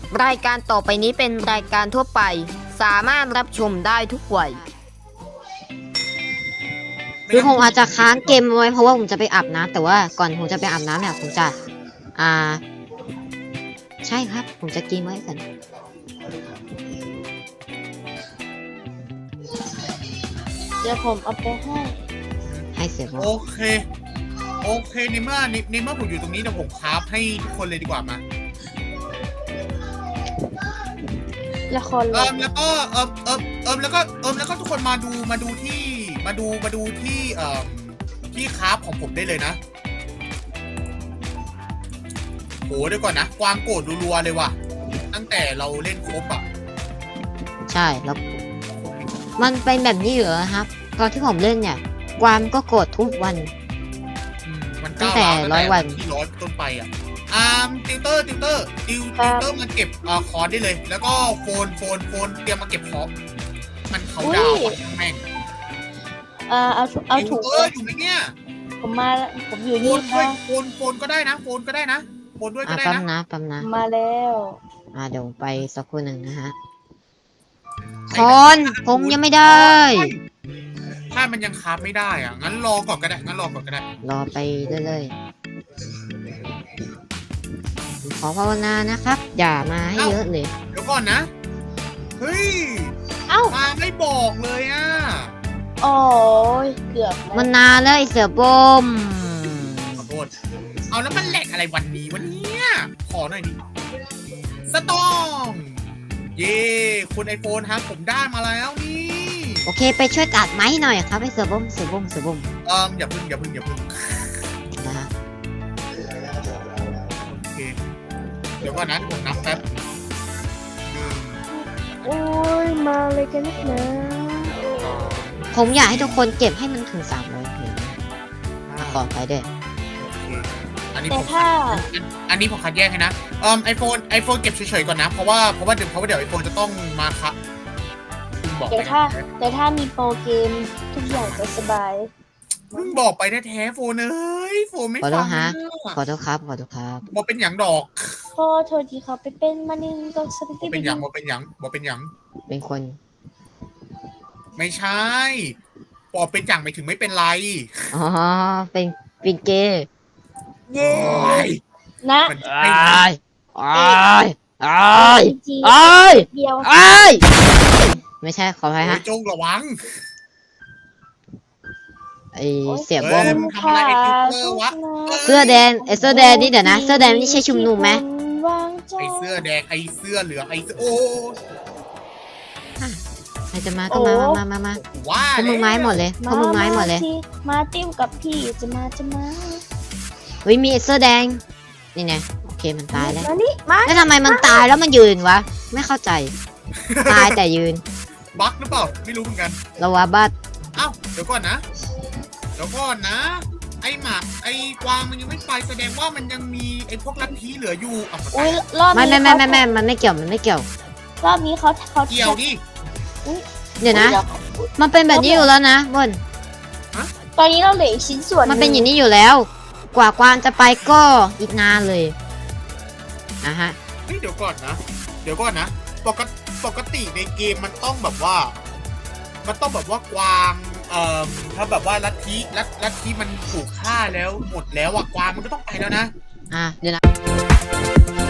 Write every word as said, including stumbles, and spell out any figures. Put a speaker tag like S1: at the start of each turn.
S1: รายการต่อไปนี้เป็นรายการทั่วไปสามารถรับชมได้ทุกวัยคือผมอาจจะค้างเกมไว้เพราะว่าผมจะไปอาบน้ำแต่ว่าก่อนผมจะไปอาบน้ำเนี่ยผมจะอ่าใช่ครับผมจะกินไว้ก่อน
S2: เดี๋ยวผมเอาไปให้
S1: ให้เสียบ
S3: โอเคโอเคในเมื่อในเมื่อผมอยู่ตรงนี้เดี๋ยวผมคราฟให้ทุกคนเลยดีกว่ามา
S2: ละครเล
S3: เอิ
S2: ย
S3: มแล้วก็เอิมเอิมเอิมแล้วก็เอิมแล้วก็ทุกคนมาดูมาดูที่มาดูมาดูที่เอ่อที่คราฟของผมได้เลยนะโหเดี๋ยวก่อนนะกวางโกรธรัวๆเลยว่ะตั้งแต่เราเล่นครบอ่ะ
S1: ใช่แล้วมันเป็นแบบนี้เหรอครับตอนที่ผมเล่นเนี่ยกวางก็โกรธทุกวัน
S3: มัน
S1: ตั้งแต่ร้อยวัน
S3: ที่ร้อยต้นไปอ่ะอ่าติวเตอร์ติวเตอร์ติวติวเตอร์มาเก็บอ่าคอร์สได้เลยแล้วก็โฟนโฟนโฟนเตรียมมาเก็บคอร์สมันเขาดาวแม่ง
S2: เอ่อเอาเอาถุง
S3: เอออยู่ไหมเนี่ย
S2: ผมมาผมอยู่
S3: โฟ
S2: นี่
S3: น
S2: ค่ะ
S3: โฟนโฟนก็ได้นะโฟนก็ได้นะโฟนด้วยก็
S1: อ่ะ
S3: ได้
S1: แป๊บ
S3: นะ
S1: นะแป๊บนะ
S2: มาแล้ว
S1: อ่าเดี๋ยวไปสักครู่หนึ่งนะฮะคนผมยังไม่ได้
S3: ถ้ามันยังคราฟไม่ได้อ่ะงั้นรอก่อนก็ได้งั้นรอก่อนก็ได้
S1: รอไปเรื่อยๆขอภาวนานะครับ อย่ามาให้เยอะเลย
S3: เดี๋ยวก่อนนะเฮ้ย
S2: เอ้า
S3: มาไม่บอกเลยอ่ะ
S2: โอ้ยเกือบแล้ว
S1: มันนานแล้วไอเสือบม
S3: ขอโทษเอาแล้วมันแหลกอะไรวันนี้วันนี้ขอหน่อยดิสตองเย่คุณไอโฟนครับผมได้มาแล้วนี่
S1: โอเคไปช่วยตัดไม้หน่อยครับไอเสือบมเสือบมเสือบม
S3: เอออย่าพึ่งอย่าพึ่งอย่าพึ่ง
S1: นะฮะ
S3: โอเคเดี๋ยวก่อนนะผมนับแป๊บ
S2: โอ้ยมาเลยกันนักหนา
S1: ผมอยากให้ทุกคนเก็บให้มันถึงสามร้อยเพลงขอไปด้วย
S3: อันนี้
S2: แต่
S3: ผม
S2: ถ้า
S3: อันนี้ผมคัดแยกให้นะเอ่อไอโฟนไอโฟนเก็บเฉยๆก่อนนะเพราะว่าเพราะว่าเดี๋ยวเพราะว่าเดี๋ยวไอโฟนจะต้องมาครับคุณบอก
S2: แต่
S3: ไป
S2: ถ้าแต่ถ้ามีโปรเกมทุกอย่างจะสบาย
S3: มึงบอกไปแท้ๆโฟนเอ้ยโฟนไม่
S1: ขอโท
S3: ฟั
S1: ษ
S3: ง
S1: ฮะ
S3: นะ
S1: ขอโทษครับขอโทษครับ
S3: บอกเป็นหยังดอก
S2: พอโทษทีเขาไปเป็นมานินก็สปิ
S3: บอ
S2: ตี้
S3: กเป็นหยังบอกเป็นหยังบอกเป็นหยัง
S1: เป็นคน
S3: ไม่ใช่บอกเป็นหยังไม่ถึงไม่เป็นไร
S1: อ๋อเป็นเป็นเกย์
S3: เย้
S2: นะ
S3: มัน
S1: อ้า
S3: ไม่
S1: ยอ้ายอ้าย
S2: จี
S1: อ้าย
S2: เดียว
S1: อ้ายไม่ใช่ขออภัย
S3: โอ้
S1: ฮะ
S3: ยจงระวัง
S1: ไอเสียบ
S3: เอ้
S1: ม
S3: ยมึงทำอะไรไอ้ติ๊กเกอร์วะ
S1: เสื้อแดงไอเสื้อแดงนี่เดี๋ยวนะเสื้อแดงนี่ใช่ชุมนุมไหม
S2: วางใจ
S3: ไอเสื้อแดงไอเสื้อเหลืองไอเสื้อโอ้
S1: ใครจะมาก็มามามามา
S3: ว่า
S1: พวกมึงไม้หมดเลยพวกมึงไม้หมดเลย
S2: สิมาติ้วกับพี่จะมาจะมา
S1: เฮ้ยมีเสื้อแดงนี่ไงโอเคมันตายแล้ว
S2: มานี่มา
S1: แล้วทำไมมันตายแล้วมันยืนวะไม่เข้าใจตายแต่ยืน
S3: บั๊กหรือเปล่าไม่รู้เหมือนกัน
S1: เราว่าบัด
S3: เอ้าเดี๋ยวก่อนนะเดี๋ยวก่อนนะ ไอหมาไอกวางมันยังไม่ไปแสดงว่ามันยังมีไอพวกลัทธิเหลืออยู่อ่ะ
S2: อุ้ยรอบ
S1: ไม่
S2: นี้
S1: ไม่ไม่
S2: เขา
S1: ไม่ไม่มันไม่เกี่ยวมันไม่เกี่ยว
S2: รอบนี้เขาเขา
S3: เกี่ยวดิ
S1: เดี๋ยวนะ มันเป็นแบบนี้อยู่แล้วนะบน
S2: ตอนนี้เราเหลืออีกชิ้นส่วน
S1: มันเป็นอย่างนี้อยู่แล้ว กว่ากวางจะไปก็อีกนานเลยอ่ะฮะ
S3: เฮ้ยเดี๋ยวก่อนนะ เดี๋ยวก่อนนะปกติปกติในเกมมันต้องแบบว่า มันต้องแบบว่ากวางเอ่อถ้าแบบว่าลัทธิลัทลัทธิมันถูกฆ่าแล้วหมดแล้วอ่ะกวางมันก็ต้องไปแล้วนะ
S1: อ่ะเดี๋ยวนะ